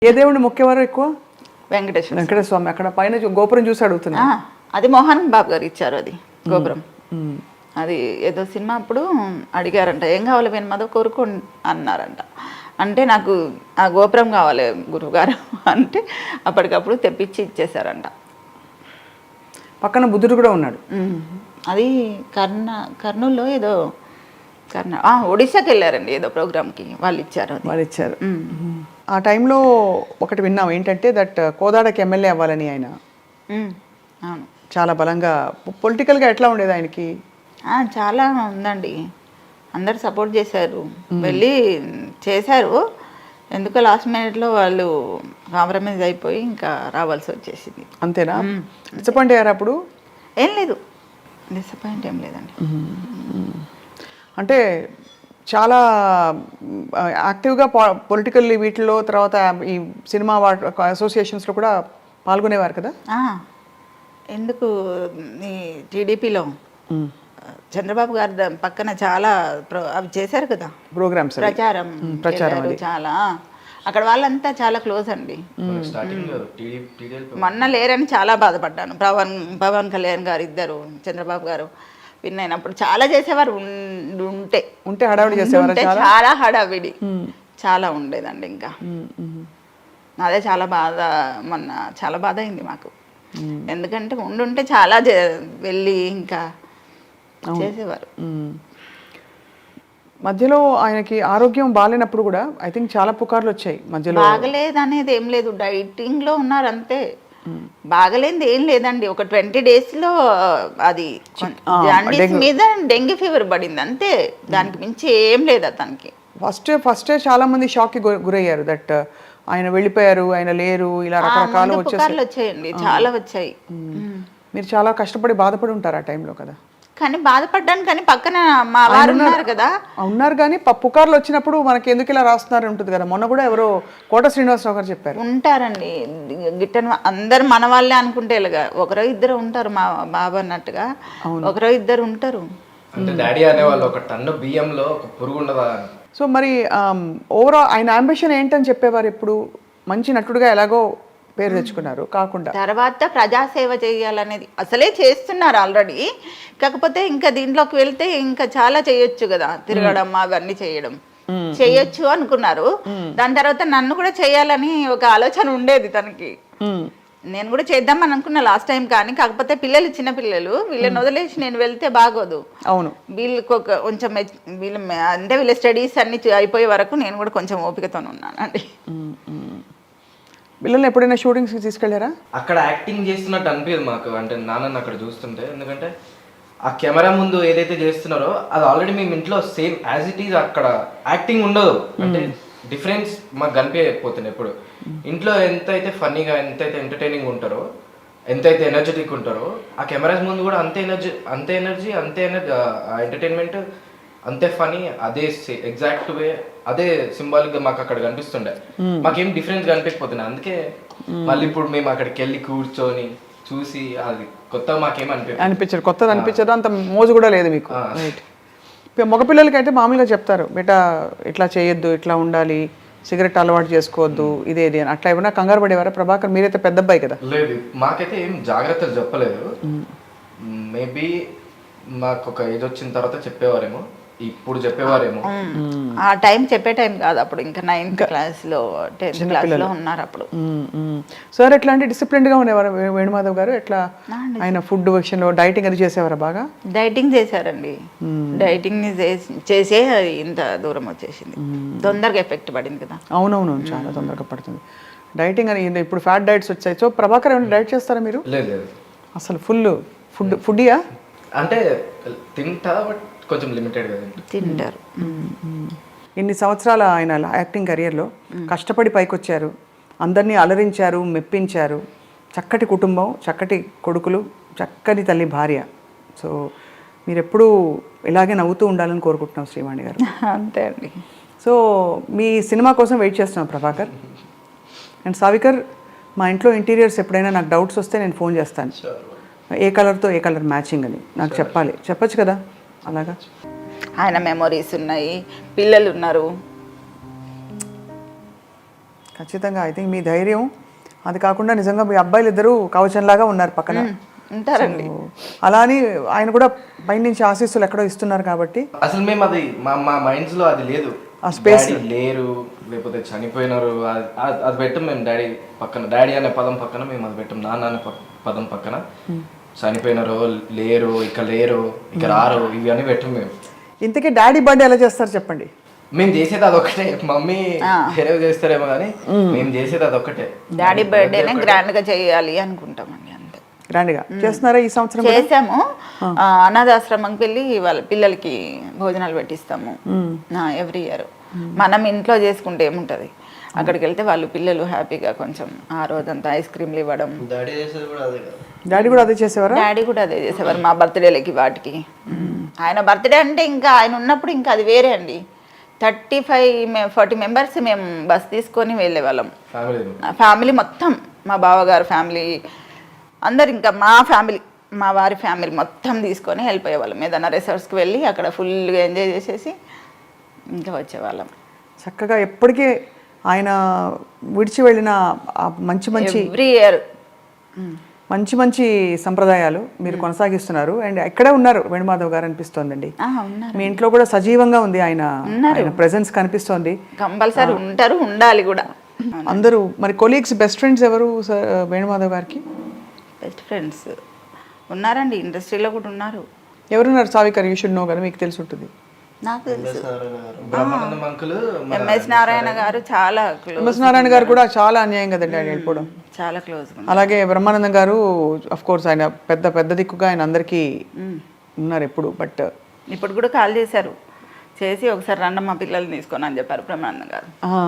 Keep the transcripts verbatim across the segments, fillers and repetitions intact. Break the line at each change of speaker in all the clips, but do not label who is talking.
ఏ దేవుడిని మొక్కేవారు ఎక్కువ?
వెంకటేశ్వర
వెంకటేశ్వర స్వామి. అక్కడ పైన చూ- గోపురం చూసి అడుగుతున్నా.
అది మోహన్ బాబు గారు ఇచ్చారు అది గోపురం. అది ఏదో సినిమా అప్పుడు అడిగారంట, ఏం కావాలి వెనమదో కోరుకో అన్నారంట. అంటే నాకు ఆ గోపురం కావాలి గురువుగారు అంటే అప్పటికప్పుడు తెప్పించి ఇచ్చేసారంట.
పక్కన బుద్ధుడు కూడా ఉన్నాడు.
అది కర్ణ కర్నూలులో ఏదో కర్ణ ఒడిశాకి వెళ్ళారండి ఏదో ప్రోగ్రామ్కి, వాళ్ళు ఇచ్చారు అది.
వాళ్ళు ఇచ్చారు. ఆ టైంలో ఒకటి విన్నాం ఏంటంటే దట్ కోదాడకి ఎమ్మెల్యే అవ్వాలని ఆయన
అవును
చాలా బలంగా. పొలిటికల్గా ఎట్లా ఉండేది ఆయనకి?
చాలా ఉందండి, అందరు సపోర్ట్ చేశారు, వెళ్ళి చేశారు. ఎందుకో లాస్ట్ మినిట్లో వాళ్ళు కాంప్రమైజ్ అయిపోయి ఇంకా రావాల్సి వచ్చేసింది.
అంతేనా? డిసప్పాయింట్ అయ్యారు అప్పుడు?
ఏం లేదు, డిసప్పాయింట్ ఏం లేదండి.
అంటే చాలా యాక్టివ్గా పొలిటికల్ వీటిలో, తర్వాత ఈ సినిమా అసోసియేషన్స్లో కూడా పాల్గొనేవారు కదా?
ఎందుకు ఈ టీడీపీలో చంద్రబాబు గారి పక్కన చాలా అవి చేశారు కదా
ప్రోగ్రామ్స్,
ప్రచారం ప్రచారం చాలా. అక్కడ వాళ్ళంతా చాలా క్లోజ్ అండి. మొన్న లేరని చాలా బాధపడ్డాను. పవన్ పవన్ కళ్యాణ్ గారు ఇద్దరు, చంద్రబాబు గారు విన్ అయినప్పుడు చాలా చేసేవారు. ఉంటే
ఉంటే హడావిడి చేసేవారు,
చాలా హడావిడి చాలా ఉండేదండి. ఇంకా అదే చాలా బాధ, మొన్న చాలా బాధ అయింది మాకు. ఎందుకంటే ఉండుంటే చాలా వెళ్ళి ఇంకా చేసేవారు.
మధ్యలో ఆయనకి ఆరోగ్యం బాగాలేనప్పుడు కూడా ఐ థింక్ చాలా పుకార్లు వచ్చాయి మధ్యలో.
బాగలేదు అనేది ఏం లేదు, డైటింగ్ లో ఉన్నారు అంతే. బాగలేనిది ఏం లేదండి. ఒక ట్వంటీ డేస్ లో అది జాండీస్ మీద డెంగ్యూ ఫీవర్ పడింది అంతే, దానికి మించి ఏం లేదు అతనికి.
ఫస్ట్ ఫస్టే చాలా మంది షాక్ కి గురయ్యారు దట్ ఆయన వెళ్ళిపోయారు, ఆయన లేరు, ఇలా రకరకాల
వచ్చాయండి, చాలా వచ్చాయి.
మీరు చాలా కష్టపడి బాధపడి ఉంటారు ఆ టైంలో కదా?
కానీ బాధపడ్డాను, కానీ పక్కన మా వారు ఉన్నారు కదా.
ఉన్నారు కానీ పుకార్లు వచ్చినప్పుడు మనకి ఎందుకు ఇలా రాస్తున్నారు ఉంటుంది కదా. మొన్న కూడా ఎవరో కోట శ్రీనివాసరావు గారు చెప్పారు.
ఉంటారండి గిట్టని అందరు మన వాళ్ళే అనుకుంటే ఇలాగా ఒకరో ఇద్దరు ఉంటారు, మా బాబు అన్నట్టుగా ఒకరో ఇద్దరు ఉంటారు.
అంటే డాడీ అనేవాళ్ళు ఒక టన్ను బియ్యంలో ఒక పురుగు ఉండదా.
సో మరి ఓవరాల్ ఆయన అంబిషన్ ఏంటని చెప్పేవారు ఎప్పుడు? మంచి నటుడుగా ఎలాగో పేరు తెచ్చుకున్నారు కాకుండా
తర్వాత ప్రజాసేవ చేయాలనేది అసలే చేస్తున్నారు ఆల్రెడీ. కాకపోతే ఇంకా దీంట్లోకి వెళ్తే ఇంకా చాలా చేయొచ్చు కదా, తిరగడం అవన్నీ చేయడం చేయొచ్చు అనుకున్నారు. దాని తర్వాత నన్ను కూడా చేయాలని ఒక ఆలోచన ఉండేది తనకి. నేను కూడా చేద్దామని అనుకున్నా లాస్ట్ టైం, కానీ కాకపోతే పిల్లలు చిన్న పిల్లలు, వీళ్ళని వదిలేసి నేను వెళ్తే బాగోదు.
అవును,
వీళ్ళకి ఒక కొంచెం వీళ్ళ అంటే వీళ్ళ స్టడీస్ అన్ని అయిపోయే వరకు నేను కూడా కొంచెం ఓపికతో ఉన్నానండి.
పిల్లల్ని ఎప్పుడైనా షూటింగ్స్కి తీసుకెళ్ళారా?
అక్కడ యాక్టింగ్ చేస్తున్నట్టు అనిపించదు మాకు, అంటే నాన్నని అక్కడ చూస్తుంటే. ఎందుకంటే ఆ కెమెరా ముందు ఏదైతే చేస్తున్నారో అది ఆల్రెడీ మేము ఇంట్లో సేమ్ యాజ్ ఇట్ ఈజ్, అక్కడ యాక్టింగ్ ఉండదు. అంటే డిఫరెన్స్ మాకు కనిపించకపోతుంది ఎప్పుడు. ఇంట్లో ఎంతైతే ఫన్నీగా, ఎంతైతే ఎంటర్టైనింగ్ ఉంటారో, ఎంతైతే ఎనర్జెటిక్ ఉంటారో, ఆ కెమెరాస్ ముందు కూడా అంతే ఎనర్జీ అంతే ఎనర్జీ అంతే ఎనర్జీ ఎంటర్టైన్మెంట్ అంతే ఫనీ, అదే ఎగ్జాక్ట్ వే, అదే సింబాలిక్ గా మాకు అక్కడ కనిపిస్తుండే. మాకేం డిఫరెన్స్ కనిపించకపోతున్నాయి. అందుకే మళ్ళీ ఇప్పుడు మేము అక్కడికి వెళ్ళి కూర్చొని చూసి అది కొత్త మాకేం అనిపి
అనిపించదు కొత్తది అనిపించదు, అంత మోజు కూడా లేదు మీకు. రైట్. మగపిల్లలకి అయితే మామూలుగా చెప్తారు, బేటా ఇట్లా చేయొద్దు, ఇట్లా ఉండాలి, సిగరెట్ అలవాటు చేసుకోవద్దు, ఇదేది అని. అట్లా ఏమైనా కంగారు పడేవారా ప్రభాకర్? మీరైతే పెద్ద అబ్బాయి కదా.
లేదు, మాకైతే ఏం జాగ్రత్తలు చెప్పలేదు. మేబీ మాకు ఒక ఏజ్ వచ్చిన తర్వాత చెప్పేవారేమో, ఇప్పుడు చెప్పేవారేమో.
ఆ టైం చెప్పే టైం కాదు అప్పుడు, ఇంకా నైన్త్ క్లాస్ లో టెన్త్ క్లాస్ లో ఉన్నారు అప్పుడు.
సార్ ఎట్లా అంటే డిసిప్లిన్ గా ఉండేవారు వేణుమాధవ్ గారు? ఎట్లా ఆయన ఫుడ్ విషయంలో డైటింగ్ అది చేసేవారా? బాగా
డైటింగ్ చేశారండి. డైటింగ్ చేసే ఇంత దూరం వచ్చేసింది, తొందరగా ఎఫెక్ట్ పడింది కదా.
అవునవును, చాలా తొందరగా పడుతుంది డైటింగ్ అని. ఇప్పుడు ఫ్యాట్ డైట్స్ వచ్చాయి. సో ప్రభాకర్ ఏమైనా డైట్ చేస్తారా మీరు?
లేదు,
అసలు ఫుల్ ఫుడ్ ఫుడ్డియా?
అంటే తింటా, బట్ కొంచెం లిమిటెడ్ గా
తింటారు.
ఇన్ని సంవత్సరాల ఆయన యాక్టింగ్ కెరియర్లో కష్టపడి పైకి వచ్చారు, అందరినీ అలరించారు, మెప్పించారు. చక్కటి కుటుంబం, చక్కటి కొడుకులు, చక్కని తల్లి భార్య. సో మీరు ఎప్పుడూ ఇలాగే నవ్వుతూ ఉండాలని కోరుకుంటున్నాం శ్రీవాణి గారు.
అంతే అండి.
సో మీ సినిమా కోసం వెయిట్ చేస్తున్నాం ప్రభాకర్ అండ్ సావికర్. మా ఇంట్లో ఇంటీరియర్స్ ఎప్పుడైనా నాకు డౌట్స్ వస్తే నేను ఫోన్ చేస్తాను, ఏ కలర్తో ఏ కలర్ మ్యాచింగ్ అని నాకు చెప్పాలి. చెప్పచ్చు కదా అలాగా?
ఆయన మెమొరీస్ ఉన్నాయి, పిల్లలు ఉన్నారు,
ఖచ్చితంగా ఐ థింక్ మీ ధైర్యం, అది కాకుండా నిజంగా మీ అబ్బాయిలు ఇద్దరు కవచంలాగా ఉన్నారు పక్కన.
ఉంటారండి.
అలా అని ఆయన కూడా పైనుంచి ఆశీస్సులు ఎక్కడో ఇస్తున్నారు కాబట్టి.
అసలు మేము అది మా మా మైండ్స్ లో అది లేదు,
ఆ space
డాడీ లేరు లేకపోతే చనిపోయినారు అది అది- అది పెట్టం మేము. డాడీ పక్కన, డాడీ అనే పదం పక్కన మేము అది పెట్టం. నాన్న అనే ప- పదం పక్కన చనిపోయినారు, లేరు, ఇక లేరు, ఇక రారు, ఇవి అని పెట్టం మేము.
ఇంతకీ డాడీ బర్త్డే ఎలా చేస్తారు చెప్పండి?
మేము చేసేది అదొక్కటే. మమ్మీ వేరే చేస్తారేమో కానీ మేము చేసేది అదొక్కటే.
డాడీ బర్త్డేనే గ్రాండ్ గా చేయాలి అనుకుంటామండి, అంతే.
గ్రాండ్గా చేస్తున్నారా ఈ సంవత్సరం?
చేసాము. ఆ, అనాథాశ్రమంకి వెళ్ళి వాళ్ళ పిల్లలకి భోజనాలు పెట్టిస్తాము ఎవ్రీ ఇయర్. మనం ఇంట్లో చేసుకుంటే ఏముంటది, అక్కడికి వెళ్తే వాళ్ళు పిల్లలు హ్యాపీగా కొంచెం ఆ రోజంతా ఐస్ క్రీమ్లు ఇవ్వడం.
డాడీ చేసేది కూడా అదే కదా.
డాడీ కూడా అదే చేసేవారా?
డాడీ కూడా అదే చేసేవారు మా బర్త్డేలకి వాటికి. ఆయన బర్త్డే అంటే ఇంకా ఆయన ఉన్నప్పుడు ఇంకా అది వేరే అండి. థర్టీ ఫైవ్ ఫార్టీ మెంబర్స్ మేము బస్ తీసుకొని వెళ్ళే వాళ్ళం,
ఫ్యామిలీ
ఫ్యామిలీ మొత్తం. మా బావగారు ఫ్యామిలీ అందరు, ఇంకా మా ఫ్యామిలీ, మా వారి ఫ్యామిలీ మొత్తం తీసుకొని వెళ్ళిపోయేవాళ్ళం. ఏదైనా రిసార్ట్స్కి వెళ్ళి అక్కడ ఫుల్గా ఎంజాయ్ చేసేసి ఇంకా వచ్చేవాళ్ళం.
చక్కగా ఎప్పటికీ ఆయన విడిచి వెళ్ళిన ఆ మంచి మంచి
ఎవ్రీ ఇయర్
మంచి మంచి సంప్రదాయాలు మీరు కొనసాగిస్తున్నారు. అండ్ ఎక్కడే ఉన్నారు వేణుమాధవ్ గారు అనిపిస్తోందండి.
ఉన్నారు,
మీ ఇంట్లో కూడా సజీవంగా ఉంది ఆయన, ఆయన ప్రెజెన్స్ కనిపిస్తోంది.
కంపల్సరీ ఉంటారు, ఉండాలి కూడా.
అందరూ మరి కొలీగ్స్, బెస్ట్ ఫ్రెండ్స్ ఎవరు సార్ వేణుమాధవ్ గారికి?
బెస్ట్ ఫ్రెండ్స్ ఉన్నారండి, ఇండస్ట్రీలో కూడా ఉన్నారు.
ఎవరున్నారు? సావికర్, యూ షుడ్ నో కదా, మీకు తెలిసి ఉంటుంది.
నాకు తెలుసు.
బ్రహ్మానందం అంకుల్,
ఎంఎస్ నారాయణ గారు చాలా క్లోజ్.
ఎంఎస్ నారాయణ గారు కూడా చాలా అన్యాయం కదండి ఆయన వెళ్ళిపోవడం.
చాలా క్లోజ్.
అలాగే బ్రహ్మానందం గారు అఫ్ కోర్స్ ఆయన పెద్ద పెద్ద దిక్కుగా ఆయన అందరికీ ఉన్నారు ఎప్పుడు. బట్
ఇప్పుడు కూడా కాల్ చేశారు, చేసి ఒకసారి రండి మా పిల్లల్ని తీసుకొని అని చెప్పారు బ్రహ్మానందం గారు.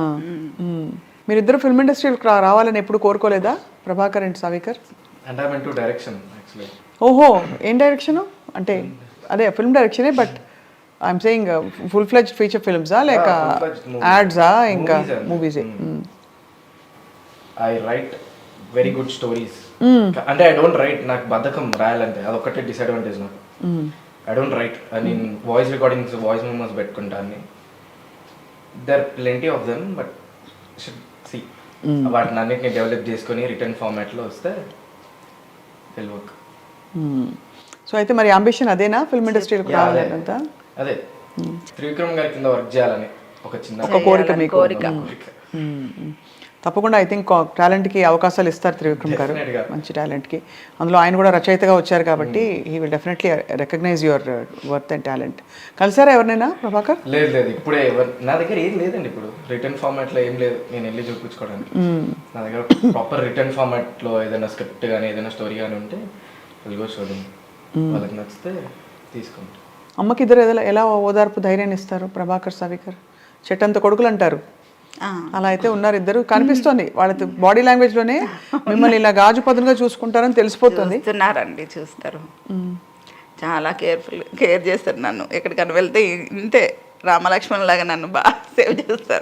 మీరిద్దరు ఫిల్మ్ ఇండస్ట్రీకి రావాలని ఎప్పుడు కోరుకోలేదా ప్రభాకర్ అండ్ సావికర్?
అంటే I mean to direction actually.
ఓహో, ఏం డైరెక్షన్ అంటే? అదే ఫిల్మ్ డైరెక్షనే, but I'm saying full fledged feature ఫిల్మ్సా లేక యాడ్సా ఇంకా మూవీసే?
I write very good stories. అంటే ఐ డోంట్ రైట్, నాకు బద్ధకం రాయాలంటే, అదొక్కటే డిసడ్వాంటేజ్ నాకు. I don't write. I mean voice recordings, voice memos పెట్టుకుంటాను. There plenty of them, but should see వాటిని అన్నిటిని డెవలప్ చేసుకొని రిటర్న్ ఫార్మాట్లో వస్తే విల్ వర్క్.
సో అయితే మరి అంబిషన్ అదేనా, ఫిల్మ్ ఇండస్ట్రీకి రావాలంతా?
అదే త్రివిక్రమ్ గారి కింద వర్క్ చేయాలని ఒక చిన్న
ఒక కోరిక మీకు.
కోరిక.
తప్పకుండా ఐ థింక్ టాలెంట్కి అవకాశాలు ఇస్తారు త్రివిక్రమ్ గారు,
Definitely.
మంచి టాలెంట్కి. అందులో ఆయన కూడా రచయితగా వచ్చారు కాబట్టి he will definitely recognise your worth and talent. కలిసారా ఎవరినైనా ప్రభాకర్?
లేదు లేదు, ఇప్పుడే ఎవరు నా దగ్గర ఏం లేదండి. ఇప్పుడు రిటర్న్ ఫార్మాట్లో ఏం లేదు నేను వెళ్ళి చూపించుకోవడానికి. నా దగ్గర ప్రాపర్ రిటర్న్ ఫార్మాట్లో ఏదైనా స్క్రిప్ట్ కానీ ఏదైనా స్టోరీ కానీ ఉంటే వెళ్ళి చూడండి, వాళ్ళకి నచ్చితే తీసుకుంటాం.
అమ్మకి ఇద్దరు ఎలా ఎలా ఓదార్పు ధైర్యాన్ని ఇస్తారు ప్రభాకర్ సావికర్? చెట్టంత కొడుకులు అంటారు, అలా అయితే ఉన్నారు ఇద్దరు. కనిపిస్తోంది వాళ్ళ బాడీ లాంగ్వేజ్ లోనే మిమ్మల్ని ఇలా గాజు పదునుగా చూసుకుంటారని తెలిసిపోతుంది.
చూస్తున్నారండి, చూస్తారు. చాలా కేర్ఫుల్ కేర్ చేస్తారు నన్ను. ఎక్కడికైనా వెళ్తే ఇంతే రామలక్ష్మణ్ లాగా నన్ను బాగా సేవ్ చేస్తారు.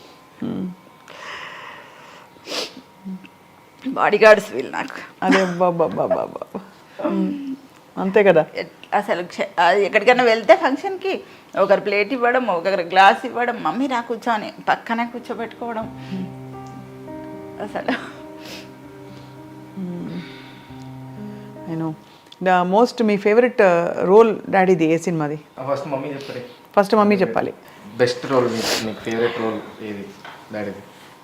బాడీ గార్డ్స్ వీళ్ళు నాకు.
అదే బాబా బాబా బాబా, అంతే కదా.
అసలు క్ష- అది ఎక్కడికైనా వెళ్తే ఫంక్షన్కి ఒకరు ప్లేట్ ఇవ్వడం, ఒకరు గ్లాస్ ఇవ్వడం, మమ్మీ రా కూర్చొని పక్కనే కూర్చోబెట్టుకోవడం. అసలు
నేను ద మోస్ట్ మీ ఫేవరెట్ రోల్ డాడీది ఏ సినిమాది?
ఫస్ట్ మమ్మీ చెప్పండి.
ఫస్ట్ మమ్మీ చెప్పాలి.
బెస్ట్ రోల్, మీకు ఫేవరెట్ రోల్ ఏది డాడీది?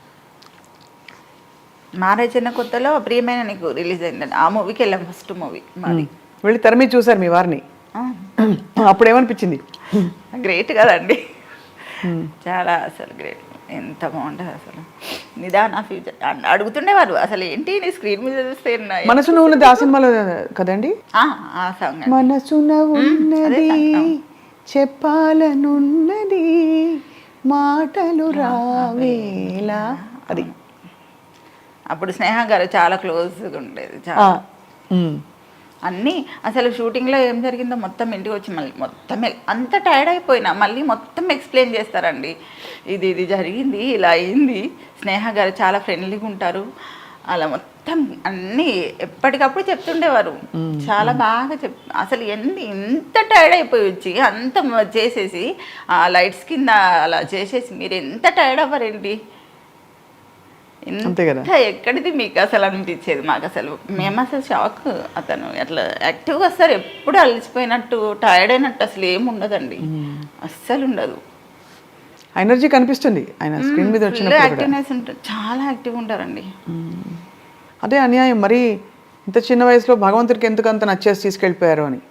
మ్యారేజ్ అయిన కొత్తలో ప్రియమైన నీకు రిలీజ్ అయిందండి, ఆ మూవీకి వెళ్ళాం ఫస్ట్ మూవీ మాది.
వెళ్ళి తెర మీద చూసారు మీ వారిని, అప్పుడు ఏమనిపించింది?
గ్రేట్ కదండి, చాలా అసలు గ్రేట్. ఎంత బాగుంటుంది అసలు. నిదాన ఫ్యూచర్ అడుగుతుండేవారు, అసలు ఏంటి నీ స్క్రీన్ మీద చూస్తే నా-
మనసున ఉన్నది ఆ సినిమాలో కదండి?
ఆ, ఆ సాంగ్
మనసున ఉన్నది చెప్పాలనున్నది మాటలు రావేలా, అది.
అప్పుడు స్నేహ గారు చాలా క్లోజ్గా ఉండేది. చాలా అన్నీ అసలు షూటింగ్లో ఏం జరిగిందో మొత్తం ఇంటికి వచ్చి మళ్ళీ మొత్తం ఎల్- అంత టైర్డ్ అయిపోయినా మళ్ళీ మొత్తం ఎక్స్ప్లెయిన్ చేస్తారండి. ఇది ఇది జరిగింది, ఇలా అయింది. స్నేహ గారు చాలా ఫ్రెండ్లీగా ఉంటారు, అలా మొత్తం అన్నీ ఎప్పటికప్పుడు చెప్తుండేవారు. చాలా బాగా చెప్ అసలు ఎన్ని ఇంత టైర్డ్ అయిపోయి వచ్చి అంత మ- చేసేసి ఆ లైట్స్ కింద అలా చేసేసి మీరు ఎంత టైర్డ్ అవ్వరేంటి
అంతే కదా.
ఎంత ఎక్కడిది మీకు అసలు అనిపించేది మాకు అసలు మేము అసలు షాక్. అతను అట్లా యాక్టివ్గా వస్తారు, ఎప్పుడు అలసిపోయినట్టు టైర్డ్ అయినట్టు అసలు ఏమి ఉండదండి, అస్సలు ఉండదు.
ఎనర్జీ కనిపిస్తుంది ఆయన స్క్రీన్ మీద వచ్చినప్పుడు కూడా.
యాక్టివ్నెస్ ఉంటుంది, చాలా యాక్టివ్ ఉంటారండి.
అదే అన్యాయం మరి ఇంత చిన్న వయసులో భగవంతుడికి ఎందుకు అంత నచ్చేసి తీసుకెళ్ళిపోయారు అని.